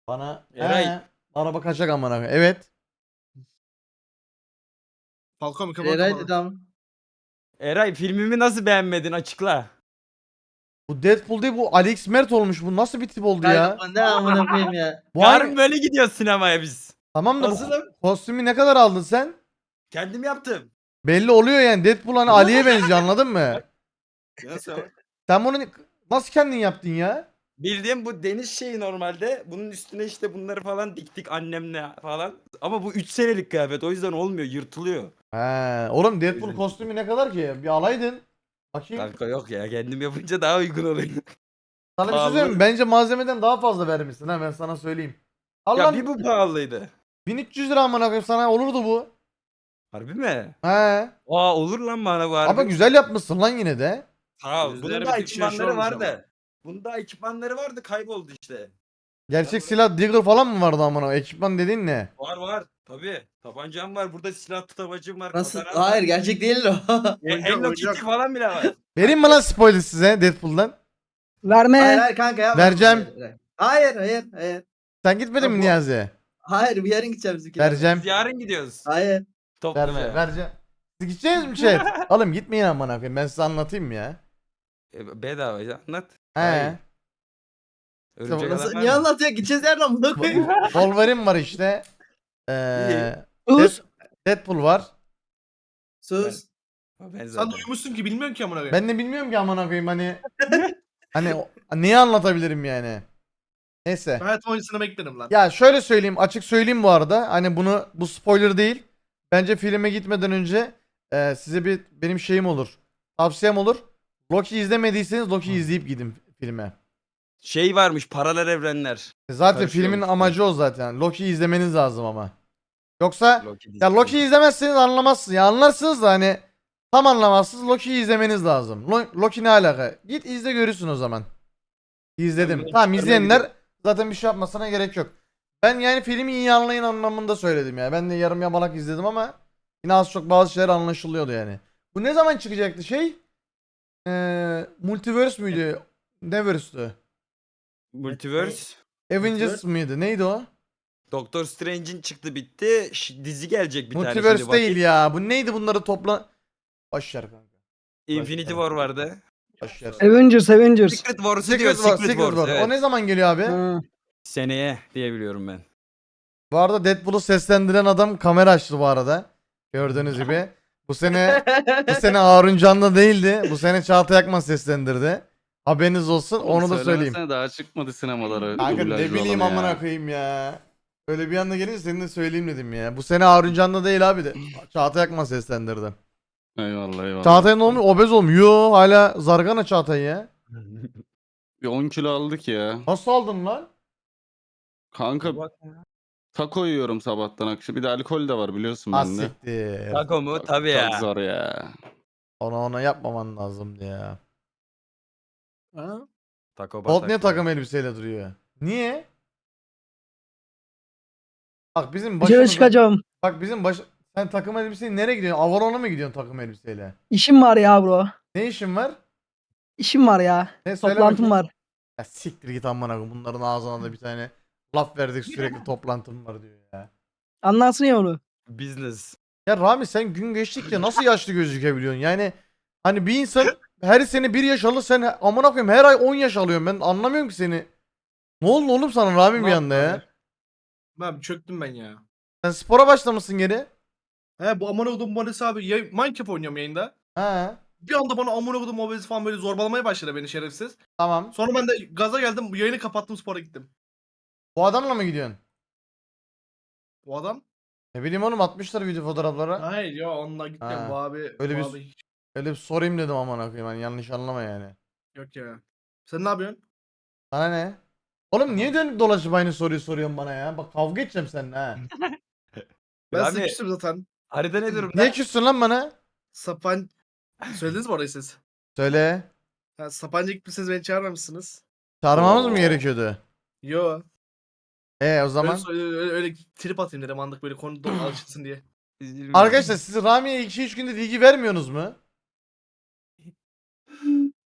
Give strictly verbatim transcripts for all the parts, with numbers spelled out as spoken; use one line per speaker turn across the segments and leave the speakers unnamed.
Bana
Eray.
He, araba kaçak amına koyayım. Evet.
Falcon mikrofon
Eray
kapalı.
dedi ama.
Eray filmimi nasıl beğenmedin açıkla.
Bu Deadpool değil, bu Alex Mert olmuş. Bu nasıl bir tip oldu
Kanka
ya?
bu ne amına koyayım ya.
Bu
Yarın
hangi-
böyle gidiyoruz sinemaya biz.
Tamam da bu
Hazırım.
kostümü ne kadar aldın sen?
Kendim yaptım.
Belli oluyor yani. Deadpool hani Ali'ye benziyor, anladın mı?
Nasıl?
Sen bunu nasıl kendin yaptın ya?
Bildiğim bu deniz şeyi normalde. Bunun üstüne işte bunları falan diktik annemle falan. Ama bu üç senelik kıyafet, o yüzden olmuyor, yırtılıyor.
He, oğlum Deadpool
Öyle.
kostümü ne kadar ki? Bir alaydın. Bakayım.
Kanka yok ya, kendim yapınca daha uygun oluyor.
Sana bir şey
pahalı.
söyleyeyim mi? Bence malzemeden daha fazla vermişsin ha, ben sana söyleyeyim. Al
Ya
lan,
bir bu pahalıydı.
bin üç yüz lira amına koyayım, sana olurdu bu.
Harbi mi?
He.
Aa olur lan bana bu harbi.
Ama güzel yapmışsın lan yine de.
Sağ ol.
Yüzleri
Bunun
bir
da
tık şey
ekipmanları
olmuş
vardı. Bunun da ekipmanları vardı, kayboldu işte.
Gerçek silah Deagle falan mı vardı amına? Ekipman dediğin ne?
Var var. Tabii. Tabancam var. Burada silah tutamacım var.
Nasıl?
kataram var.
Hayır gerçek değil o.
E,
Oyuncak,
Hello
oyuncak.
Kitty falan bile var.
Vereyim mi lan spoiler size Deadpool'dan?
Verme.
Hayır hayır kanka yapma.
Vereceğim.
Hayır hayır hayır.
Sen gitmedin
Ya
mi
bu-
Niyazi?
Hayır bir yarın gideceğim bizimki.
Vereceğim.
Biz yarın gidiyoruz.
Hayır.
Ver,
Toplamaya.
vereceğim. Siz gideceğiz mi chat? Oğlum gitmeyin amına koyayım, ben size anlatayım mı ya?
E, bedava ya, anlat.
He.
Hayır. Örümcek
Nasıl,
adam var
niye
mı?
anlatıyor? Gideceğiz yerden amına koyayım.
Wolverine var işte. Ee,
Us.
Deadpool var.
Sus.
Ben
Sen
zaten.
de uyumuşsun ki bilmiyorsun ki amına koyayım.
Ben de bilmiyorum ki amına koyayım hani. Hani o- neyi anlatabilirim yani? Neyse.
Ben hayatım oyuncusunu beklerim lan.
Ya şöyle söyleyeyim, açık söyleyeyim bu arada. Hani bunu, bu spoiler değil. Bence filme gitmeden önce e, size bir benim şeyim olur. Tavsiyem olur. Loki izlemediyseniz Loki izleyip gidin filme.
Şey varmış, paralel evrenler.
Zaten
Karışıyormuş
filmin
bu.
amacı o zaten. Loki izlemeniz lazım ama. Yoksa
Loki
ya
dizisi.
Loki izlemezseniz anlamazsınız. Ya anlarsınız da hani tam anlamazsınız. Loki'yi izlemeniz lazım. Lo- Loki ne alaka? Git izle, görürsün o zaman. İzledim.
Ben bunu
Tamam,
çıkarmaya
izleyenler zaten bir şey yapmasına gerek yok. Ben yani filmi iyi anlayın anlamında söyledim ya. Ben de yarım yamalak izledim ama yine az çok bazı şeyler anlaşılıyordu yani. Bu ne zaman çıkacaktı şey? Ee, Multiverse müydü? Ne verse'tü?
Multiverse.
Avengers mıydı? Neydi o?
Doctor Strange'in çıktı bitti. Ş- dizi gelecek bir tane.
Multiverse
şimdi
değil
vakit.
ya. Bu neydi, bunları topla... Başlar kanka.
Infinity War vardı.
Başlar.
Avengers Avengers.
Secret Wars'u diyor.
Secret War,
Secret,
Secret
Wars.
War.
Evet.
O ne zaman geliyor abi?
Ha.
Seneye diye biliyorum ben.
Bu arada Deadpool'u seslendiren adam kamera açtı bu arada. Gördüğünüz gibi. Bu sene bu sene Harun Can'da değildi. Bu sene Çağatay Akman seslendirdi. Haberiniz olsun. Onu da söyleyeyim.
Söylemesene, daha çıkmadı sinemalara.
Kanka ne
dublajlı
bileyim
olanı ya.
amına koyayım ya. Öyle bir anda gelince senin de söyleyeyim dedim ya. Bu sene Harun Can'da değil abi de. Çağatay Akman seslendirdi.
Eyvallah eyvallah.
Çağatay ne olmuş? Obez olmuş. Yo, hala zargana Çağatay ya.
Bir on kilo aldık ya.
Nasıl aldın lan?
Kanka taco yiyorum sabahtan akşam. Bir de alkol de var biliyorsun bende.
Asiktir.
Taco mu?
Çok-
Tabii
Çok
ya.
zor ya.
Ona ona yapmaman lazımdı ya.
Ha?
Taco
Bolt niye
batak
takım elbiseyle duruyor? Niye? Bak bizim
Dışarı
başımıza...
çıkacağım.
Bak bizim baş... Sen takım elbiseyle nereye gidiyorsun? Avalon'a mı gidiyorsun takım elbiseyle?
İşim var ya bro.
Ne işin var?
İşim var ya.
Ne söyle
Toplantım
bakayım.
var.
Ya siktir git amına koyayım. Bunların ağzına da bir tane laf verdik, sürekli toplantım var diyor ya.
Anlarsın ya onu.
Business.
Ya Rami, sen gün geçtikçe nasıl yaşlı gözükebiliyorsun? Yani hani bir insan her sene bir yaş alır, sen amına koyayım her ay on yaş alıyorsun. Ben anlamıyorum ki seni. Ne oldu oğlum sana Rami bir anda ya?
Ben çöktüm ben ya.
Sen spora başlamışsın geri.
He bu amına kodum Barış abi ya, Minecraft oynuyorum yayında.
Ha,
Bir anda bana amına kodum obez falan böyle zorbalamaya başladı beni şerefsiz.
tamam.
Sonra ben de gaza geldim, yayını kapattım, spora gittim.
Bu adamla mı gidiyorsun?
Bu adam?
Ne bileyim oğlum, atmışlar video fotoğrafları.
Hayır ya, onunla gittim
Ha,
bu abi.
öyle
bu
bir-
abi hiç-
Öyle bir sorayım dedim amına koyayım, hani yanlış anlama yani.
Yok ya. Sen ne yapıyorsun?
Sana ne? Oğlum niye dönüp dolaşıp aynı soruyu soruyorsun bana ya? Bak kavga edeceğim seninle ha.
Ben
Abi,
size küstüm zaten.
harita ne durumda?
Niye küssün lan bana?
Sapan... Söylediniz mi orayı siz?
Söyle.
Ha, Sapanca gitmişsiniz, beni çağırmamışsınız.
Çağırmamız mı
Oo.
gerekiyordu?
Yo.
E o zaman.
Öyle, öyle, öyle trip atayım dedim anlık, böyle konu do- alışılsın diye.
Arkadaşlar siz Rami'ye iki üç gündür ilgi vermiyorsunuz mu?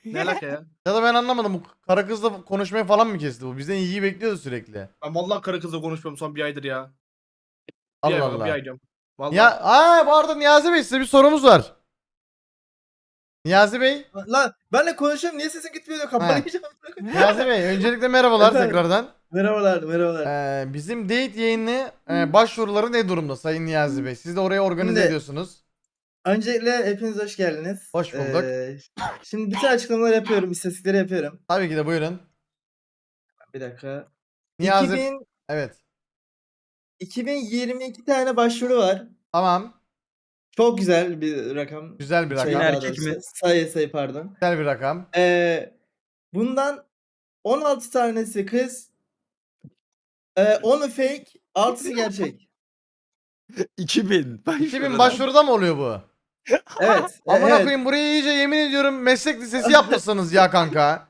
Ne alaka ya?
Ya da ben anlamadım. Bu kara kızla konuşmayı falan mı kesti bu? Bizden ilgi bekliyordu sürekli.
Ben vallahi karı kızla konuşmuyorum son bir aydır ya. Bir
Allah
ay var, bir
Allah.
ay diyorum. Vallahi.
Ya aa bu arada Niyazi Bey size bir sorumuz var. Niyazi Bey.
Lan benle konuşuyorum niye sesim gitmiyor diyor kapatacağım.
Niyazi Bey öncelikle merhabalar
Efendim?
tekrardan.
Merhabalar merhabalar.
Ee, bizim date yayını e, başvuruları ne durumda Sayın Niyazi Bey? Siz de oraya organize
Şimdi-
ediyorsunuz.
Öncelikle hepiniz hoş geldiniz.
Hoş bulduk.
Ee, şimdi bütün açıklamaları yapıyorum, istatistikleri yapıyorum.
Tabii ki de buyurun.
Bir dakika.
Niyazi.
iki bin,
Evet.
iki bin yirmi iki tane başvuru var.
Tamam.
Çok güzel bir rakam.
Güzel bir
Şey,
rakam.
daha
Erkek
doğrusu.
mi?
Sayı sayı pardon.
Güzel bir rakam.
Ee, bundan on altı tanesi kız. Ee, onu fake, altısı gerçek.
iki bin.
iki bin başvuruda mı oluyor bu?
Evet. e,
Amına
evet.
koyayım burayı iyice yemin ediyorum meslek lisesi yapmışsınız ya kanka.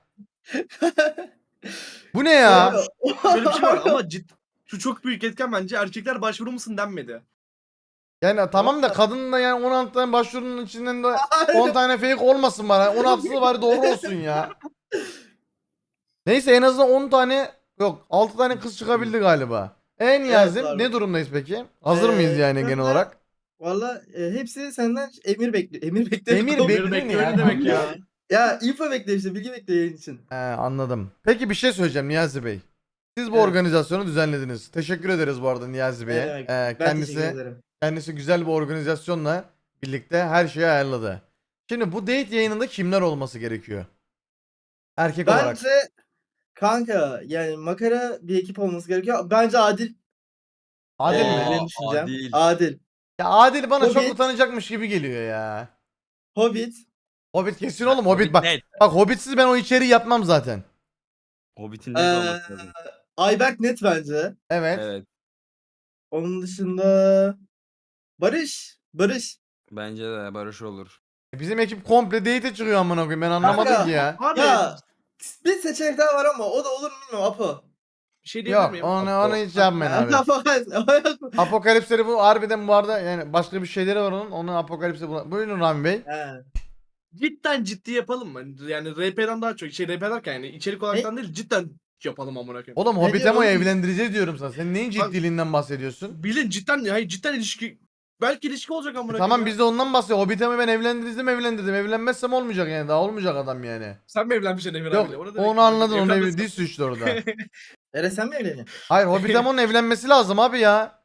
Bu ne ya?
Şöyle bir şey var ama ciddi. Şu çok büyük etken bence erkekler başvuru musun denmedi.
Yani tamam da kadının da yani on altı tane başvurunun içinden de on tane fake olmasın bana. on altısı da bari doğru olsun ya. Neyse en azından on tane yok altı tane kız çıkabildi galiba. E Niyazim
Evet,
ne
abi.
durumdayız peki? Hazır
Ee,
mıyız yani genel
ben de-
olarak?
Valla e, hepsi senden emir bekliyor. Emir bekliyor.
Emir
Emir
bekliyor ne
bekliyor
ya?
ne demek ya?
Ya info bekliyor işte bilgi bekliyor yayın için.
He, anladım. Peki bir şey söyleyeceğim Niyazi Bey. Siz bu
Evet.
organizasyonu düzenlediniz. Teşekkür ederiz bu arada Niyazi Bey'e.
Ne demek?
Ee,
Ben
kendisi
teşekkür ederim.
kendisi güzel bir organizasyonla birlikte her şeyi ayarladı. Şimdi bu date yayınında kimler olması gerekiyor? Erkek olarak.
Bence kanka yani makara bir ekip olması gerekiyor. Bence adil.
Adil
Ee,
mi?
benim düşüncem.
Adil.
Adil.
Ya Adil bana çok
Hobbit.
utanacakmış gibi geliyor ya.
Hobbit.
Hobbit kesin oğlum Hobbit bak.
Net.
Bak Hobbitsiz ben o içeriği yapmam zaten.
Hobbit'in
Ee,
net olması lazım.
Ayberk net bence.
Evet.
Evet.
Onun dışında Barış. Barış.
Bence de Barış olur.
Bizim ekip komple date'e çıkıyor amına koyayım ben anlamadım
Kanka.
ki ya.
Abi
Ya bir seçenek daha var ama o da olur mu bilmiyorum Apo.
bir şey diyebilir
Yok
miyim?
onu, onu hiç yapmayın abi.
Apo.
Apokalipsleri bu harbiden bu arada yani başka bir şeyleri var onun. Onun apokalipsi bu. Buyurun Rami Bey.
He.
Cidden ciddi yapalım mı? Yani R P'den daha çok şey R P derken yani içerik olaraktan değil cidden yapalım amına koyayım.
Oğlum
Ne
Hobbit'e mi
diyorsun?
evlendireceğiz diyorum sana. Sen neyin ciddiliğinden bahsediyorsun?
Bilin cidden hayır cidden ilişki belki ilişki olacak amına
E
koyayım.
tamam
ya.
biz de ondan bahsediyoruz. Hobbit'e mi ben evlendirdim evlendirdim. Evlenmezsem olmayacak yani. Daha olmayacak adam yani.
Sen mi evlenmişsin Emir
Yok
abiyle? O ne demek
onu
ya?
anladın. Onu
Evlenmesin.
ev diz suçlu orada.
Ere sen mi evleniyorsun?
Hayır Hobbit'e onun evlenmesi lazım abi ya.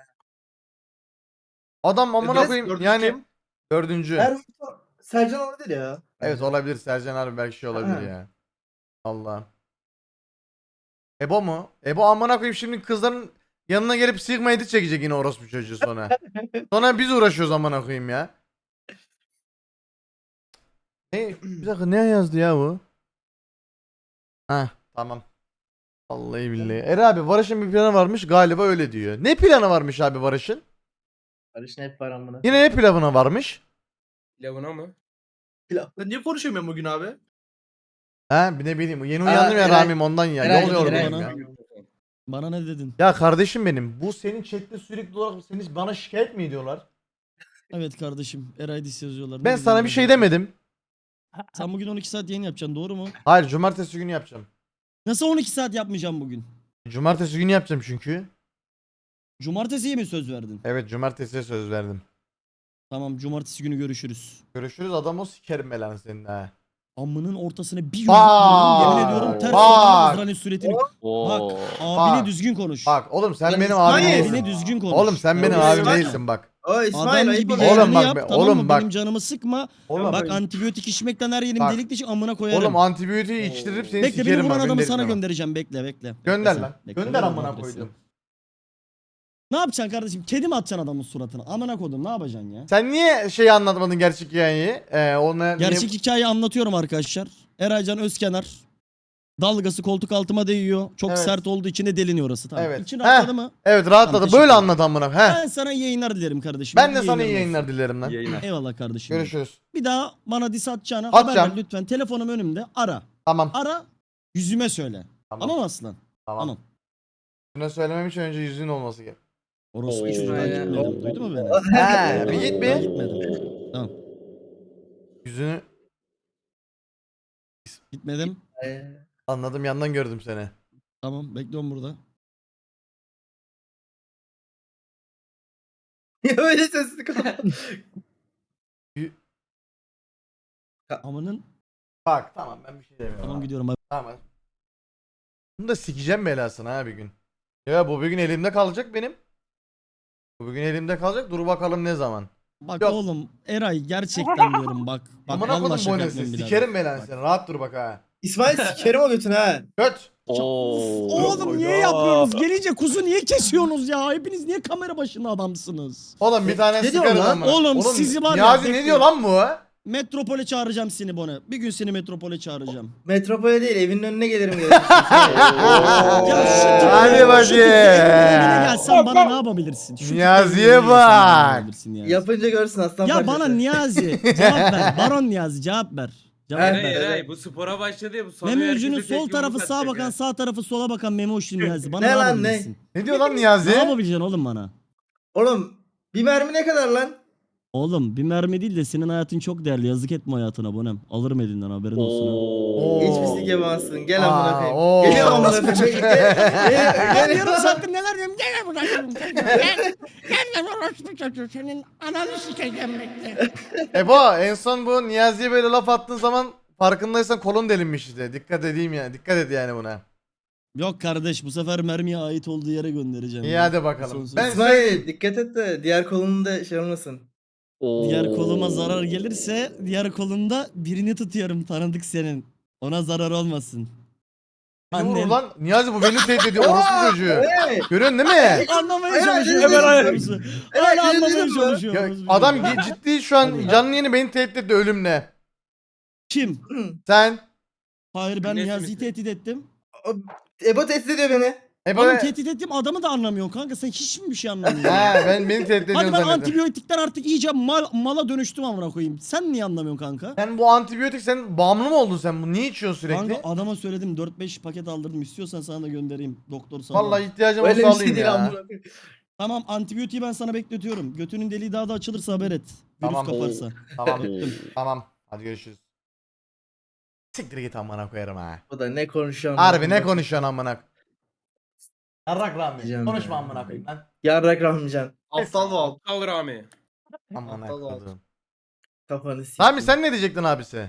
Adam amına
Biraz
koyayım
dördüncü
yani.
kim?
Dördüncü.
Her Sercan olabilir ya.
Evet olabilir. Sercan harbi belki şey olabilir
Ha.
ya. Allah. Ebo mu? Ebo amına koyayım şimdi kızların yanına gelip sigma edit çekecek yine orospu çocuğu sonra. Sonra biz uğraşıyoruz amına koyayım ya. Ne? Bir dakika ne yazdı ya bu? Heh tamam. Vallahi billahi. Eri abi Barış'ın bir planı varmış galiba öyle diyor. Ne planı varmış abi Barış'ın?
Barış ne hep var amına.
Yine ne planı varmış?
Lavuna mı?
Lan niye konuşamıyorum bugün abi?
Ha bir ne bileyim yeni
Aa,
uyandım ya
Eray-
Ramim ondan ya.
Eray-
Yol yorgunum
Eray-
ya.
Bana ne dedin?
Ya kardeşim benim bu senin chatte sürekli olarak seni bana şikayet mi ediyorlar?
Evet kardeşim. Eray Dis yazıyorlar. Ne
Ben
dedin
sana
bana?
bir şey demedim.
Sen bugün on iki saat yayın yapacaksın doğru mu?
Hayır cumartesi günü yapacağım.
Nasıl on iki saat yapmayacağım bugün?
Cumartesi günü yapacağım çünkü.
Cumartesiye mi söz verdin?
Evet cumartesiye söz verdim.
Tamam cumartesi günü görüşürüz.
Görüşürüz adam o sikerim belanı senin ha.
Amının ortasına bir yumruk
Bak,
vurdum. Yemin ediyorum ters
bak.
olanın Azrail'in suretini.
Oo.
Bak abine
Bak.
düzgün konuş.
Bak oğlum sen
Lan
benim
İsmail,
abim
Abine
değilsin.
düzgün konuş.
Oğlum sen benim
Terbiyesiz
abim
yapma.
değilsin bak.
O İsmail
Adam
ayıp
gibi
oluyor.
Oğlum
yayını
bak
yap
be,
tamam
oğlum
mı?
bak.
Benim canımı sıkma.
Oğlum
Bak
bak.
antibiyotik içmekten her yerim
Bak.
delik deşik amına koyarım.
Oğlum antibiyotiği içtirip seni
Bekle beni
sikerim
vuran
bak.
adamı
beni
sana
delirtme bak.
göndereceğim bekle bekle. Bekle
Gönder
sen,
lan.
bekle,
Gönder
ver
amına
adresi.
koydum.
Ne yapacaksın kardeşim? Kedi mi atacaksın adamın suratına? Amına koydum ne yapacaksın ya?
Sen niye şeyi anlatmadın gerçek hikayeyi? Ee, ona
Gerçek
niye...
hikayeyi anlatıyorum arkadaşlar. Eraycan Özkenar. Dalgası koltuk altıma değiyor. Çok
Evet.
sert olduğu için de deliniyor orası. Tamam.
Evet.
İçin
Heh.
rahatladı mı?
Evet
Tamam,
rahatladı.
teşekkür
Böyle
ederim.
anlat amına. He.
Ben sana iyi yayınlar dilerim kardeşim.
Ben de sana iyi
olsun.
yayınlar dilerim lan.
Yayına.
Eyvallah kardeşim.
Görüşürüz.
Bir daha bana dis atacağına haber
Atacağım.
ver lütfen. Telefonum önümde. Ara.
Tamam.
Ara. Yüzüme söyle.
Tamam.
Tamam aslan.
Tamam.
Tamam.
Şuna söylemem için önce yüzün olması gerek.
Orospu
Oo.
çocuğu ben
Aynen.
gitmedim. Duydu mu beni?
He, bir git
Ben
bir.
gitmedim. Tamam.
Yüzünü
Gitmedim.
Ee,
Anladım, yandan gördüm seni.
Tamam bekliyorum burada.
Ya öyle sesli kaldı.
Amanın.
Bak tamam, ben bir şey demiyorum.
Tamam
abi.
gidiyorum abi.
Tamam. Bunu da sikeceğim belasını ha bir gün. Ya bu bir gün elimde kalacak benim. Bu bir gün elimde kalacak. Dur bakalım ne zaman.
Bak
Yok.
oğlum Eray gerçekten diyorum bak. Bak
Amına
vallahi
kodum
şaka
bonesi.
yapmıyorum birader.
Sikerim belanı
Bak.
seni. Rahat dur bak ha.
İsmail sikerim o götünü ha.
Göt.
Oğlum niye yapıyorsunuz? Gelince kuzu niye kesiyorsunuz ya? Hepiniz niye kamera başında adamsınız?
Oğlum bir tane
Ne diyorsun
sikerim
lan?
amına.
Oğlum sizi var ya,
Niyazi ne
bekleyin.
diyor lan bu?
Metropole çağıracağım seni Bone. Bir gün seni metropole çağıracağım.
Metropole değil evinin önüne gelirim gerekirse.
Ya şu tip-
Hadi
şu
bakayım.
tip evinin önüne gelsen bana ne yapabilirsin? Şu tip
Niyazi'ye
evinin önüne gelsen bana ne
bak.
yapabilirsin Niyazi?
Yapınca görsün aslan
Ya
parçası.
bana Niyazi cevap ver. Baron Niyazi cevap ver. Cevap
Evet,
ver.
Eray
evet.
Eray bu spora başladı ya bu sanıyor
Memo
herkese
ucunun
tek
sol
yumruk
tarafı sağa
atacak
bakan,
ha.
sağ tarafı sola bakan Memo uçlu Niyazi. Bana
Ne
ne,
lan, ne?
yapabilirsin?
Ne diyor lan
Ne
Niyazi?
yapabileceksin oğlum bana?
Oğlum bir mermi ne kadar lan?
Oğlum bir mermi değil de senin hayatın çok değerli. Yazık etme hayatına Bonem. Alırım elinden haberin olsun. ha.
Oo.
Hiçbir sik yapamazsın. Gel
Aa,
amına koyayım.
oo.
Gel amına koyayım. Gel, gel,
Ben
gel.
yarım saattir neler diyorum. Gel buraya. Gel. Gel lan orospu çocuğu. Senin ananı sikeceğim bekle.
Ebo en son bu Niyazi'ye böyle laf attığın zaman farkındaysan kolun delinmiş işte. Dikkat edeyim ya. Dikkat et yani buna.
Yok kardeş bu sefer mermiye ait olduğu yere göndereceğim.
İyi
ya.
hadi bakalım.
Son söz.
Ben
İsmail dikkat et de diğer kolunu da şey olmasın.
Diğer koluma zarar gelirse diğer kolunda birini tutuyorum tanıdık senin. Ona zarar olmasın.
Beni vurur
Annem.
lan. Niyazi bu beni tehdit ediyor. Orospu çocuğu.
Hey!
Görüyorsun değil mi?
Anlamaya
Helal,
çalışıyor.
helal,
Hemen
helal.
Hala
Helal,
anlamaya
helal, helal.
çalışıyor.
Ya,
orospu
adam
çocuğu.
ge- ciddi şu an canlı yeni beni tehdit etti ölümle.
Kim?
Sen.
Hayır ben
Nesi
Niyazi'yi
misin?
tehdit ettim.
Ebo tehdit ediyor beni.
Ebo.
Oğlum tehdit ettiğim adamı da anlamıyorsun kanka. Sen hiç mi bir şey anlamıyorsun?
He ben beni tehdit ediyorsun
Hadi ben
zannettim.
antibiyotikten artık iyice mal, mala dönüştüm amına koyayım. Sen niye anlamıyorsun kanka?
Sen bu antibiyotik sen bağımlı mı oldun sen? Bu niye içiyorsun sürekli?
Kanka adama söyledim dört beş paket aldırdım. İstiyorsan sana da göndereyim. Doktor sana.
Vallahi ihtiyacım
Öyle
olsa
bir şey
alayım
değil
ya.
amına koyayım.
Tamam antibiyotiği ben sana bekletiyorum. Götünün deliği daha da açılırsa haber et. Virüs
Tamam.
kaparsa.
Tamam.
Öptüm.
Tamam. Hadi görüşürüz. Siktir git amına koyarım ha.
O da ne konuşuyor?
Harbi ne konuşuyorsun amına? Yarrak Rami.
Diyeceğim
Konuşma
ya.
amına koyayım lan.
Yarrak Rahmican.
Aptal val.
Aptal Rami.
Amına
Aptal ol.
koydum.
Kafanı sikeyim.
Rami sen ne diyecektin abisi?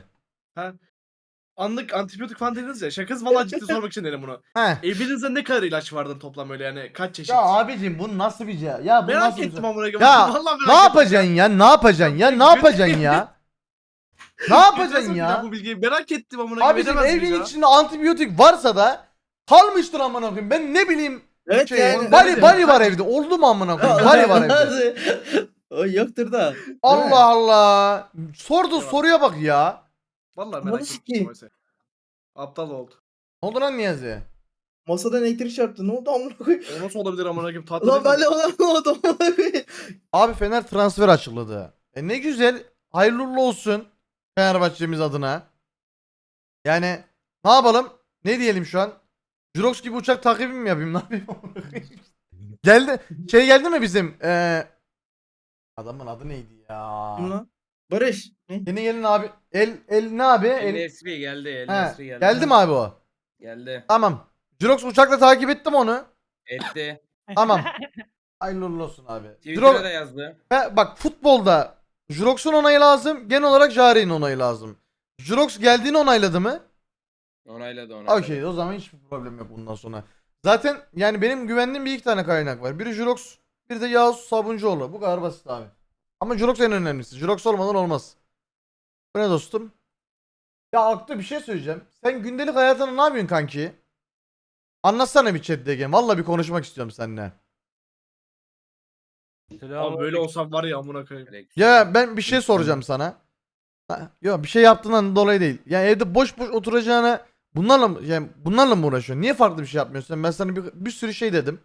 Anlık antibiyotik falan dediniz ya. Şakası valla ciddi sormak için dedim bunu.
He.
Evinizde ne kadar ilaç vardır toplam öyle yani kaç çeşit?
Ya abicim bu nasıl bir şey? Ya bu
merak
nasıl bir
ettim
şey?
amına koyayım.
Ya
Vallahi merak
ne
ettim.
yapacaksın ya? Ne yapacaksın ya? Ne yapacaksın ya? Ne yapacaksın
Getirsin
ya?
Bu bilgiyi merak ettim amına koyayım.
Abicim
edemez miyiz
evin
ya?
içinde antibiyotik varsa da kalmıştır amına koyayım. Ben ne bileyim
Evet
şey,
yani.
bari bari var evde. Oldu mu amına koyayım? Bari var evde.
O yoktur da. Değil mi?
Allah Allah. Sordu
Eyvallah.
soruya bak ya.
Vallahi
Bunu
merak ettim.
sikeyim.
oysa. Aptal oldu.
Ne oldu lan Niyazi?
Masadan elektrik çarptı. Ne oldu amına koyayım?
O nasıl olabilir amına koyayım? Tatlı
Lan
değil
ben
mi?
de ona ne oldu amına koyayım?
Abi Fener transfer açıkladı. E ne güzel. Hayırlı uğurlu olsun Fenerbahçe'miz adına. Yani ne yapalım? Ne diyelim şu an? Jurox gibi uçak takibi mi yapayım? Ne yapayım? Geldi. Şey geldi mi bizim? Ee, adamın adı neydi ya?
Kim lan? Barış. Ne?
Yeni gelin abi. El el ne abi?
El
El,
Nesri geldi. El
He,
Nesri geldi.
geldi mi abi o?
Geldi.
Tamam. Jurox uçakla takip ettim onu.
Etti.
Tamam. Hayırlı uğurlu olsun abi.
Twitter'a
Jurox,
da yazdı.
He, bak futbolda Jurox'un onayı lazım. Genel olarak Jari'nin onayı lazım. Jurox geldiğini onayladı mı?
Onayladı onayladı.
Okey, o zaman hiçbir problem yok bundan sonra. Zaten yani benim güvendiğim bir iki tane kaynak var. Biri Jurox, bir de Yağız Sabuncuoğlu. Bu kadar basit abi. Ama Jurox en önemlisi. Jurox olmadan olmaz. Bu ne dostum? Ya Aklı bir şey söyleyeceğim. Sen gündelik hayatında ne yapıyorsun kanki? Anlatsana bir chat D G. Valla bir konuşmak istiyorum seninle.
Abi böyle olsam var ya amına koyayım.
Ya ben bir şey soracağım sana. Ha, yok bir şey yaptığından dolayı değil. Yani evde boş boş oturacağına bunlarla mı yani bunlarla mı uğraşıyorsun? Niye farklı bir şey yapmıyorsun? Ben sana bir, bir sürü şey dedim.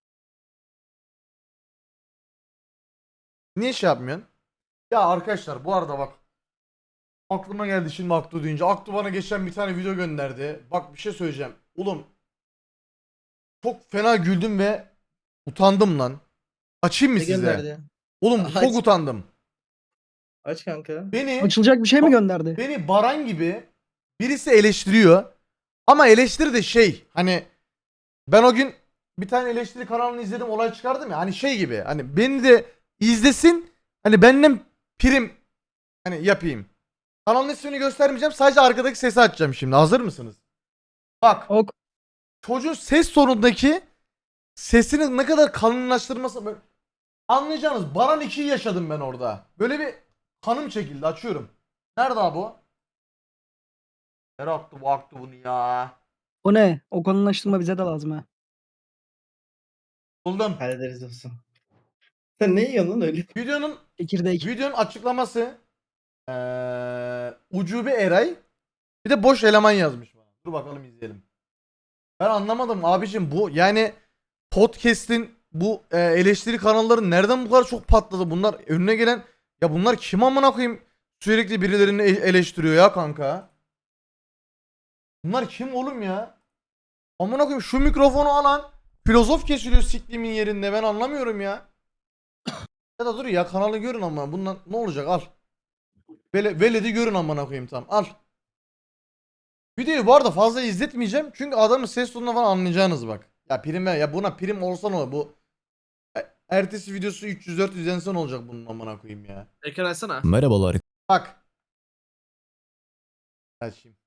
Niye şey yapmıyorsun? Ya arkadaşlar bu arada bak aklıma geldi şimdi Aktu deyince. Aktu bana geçen bir tane video gönderdi. Bak bir şey söyleyeceğim. Oğlum çok fena güldüm ve utandım lan. Açayım mı
Ne
size?
gönderdi?
Oğlum
Aç.
çok utandım.
Aç kanka.
Beni
Açılacak bir şey mi gönderdi?
Beni Baran gibi birisi eleştiriyor. Ama eleştiri de şey hani ben o gün bir tane eleştiri kanalını izledim, olay çıkardım ya, hani şey gibi, hani beni de izlesin, hani benden prim hani yapayım. Kanalın ismini göstermeyeceğim, sadece arkadaki sesi açacağım şimdi. Hazır mısınız? Bak,
Ok.
çocuğun ses tonundaki sesini ne kadar kalınlaştırması böyle, anlayacağınız Baran ikiyi yaşadım ben orada. Böyle bir kanım çekildi, açıyorum. Nerede abi o? Nereye attı bu aktı bunu ya?
O ne? O konulaştırma bize de lazım ha.
Buldum.
Hallederiz dostum. Sen ne yiyorsun lan öyle?
Videonun
Çekirdek.
videonun açıklaması eee Ucube Eray bir de boş eleman yazmış bana. Dur bakalım izleyelim. Ben anlamadım abicim, bu yani podcast'in bu e, eleştiri kanalları nereden bu kadar çok patladı? Bunlar önüne gelen, ya bunlar kim amına koyayım, sürekli birilerini e- eleştiriyor ya kanka. Bunlar kim oğlum ya? Amına koyayım, şu mikrofonu alan filozof kesiliyor siklimin yerinde, ben anlamıyorum ya. Ya da dur ya, kanalı görün ama bundan ne olacak, al. Vele, veledi görün amına koyayım, tamam al. Videoyu bu arada fazla izletmeyeceğim çünkü adamın ses tonundan falan anlayacağınız bak. Ya prim ver ya, buna prim olsa ne olur bu. E- Ertesi videosu üç yüz dört yüz izlense ne olacak bunun amına koyayım ya.
Ekran açsana.
Merhabalar.
Bak. Açayım.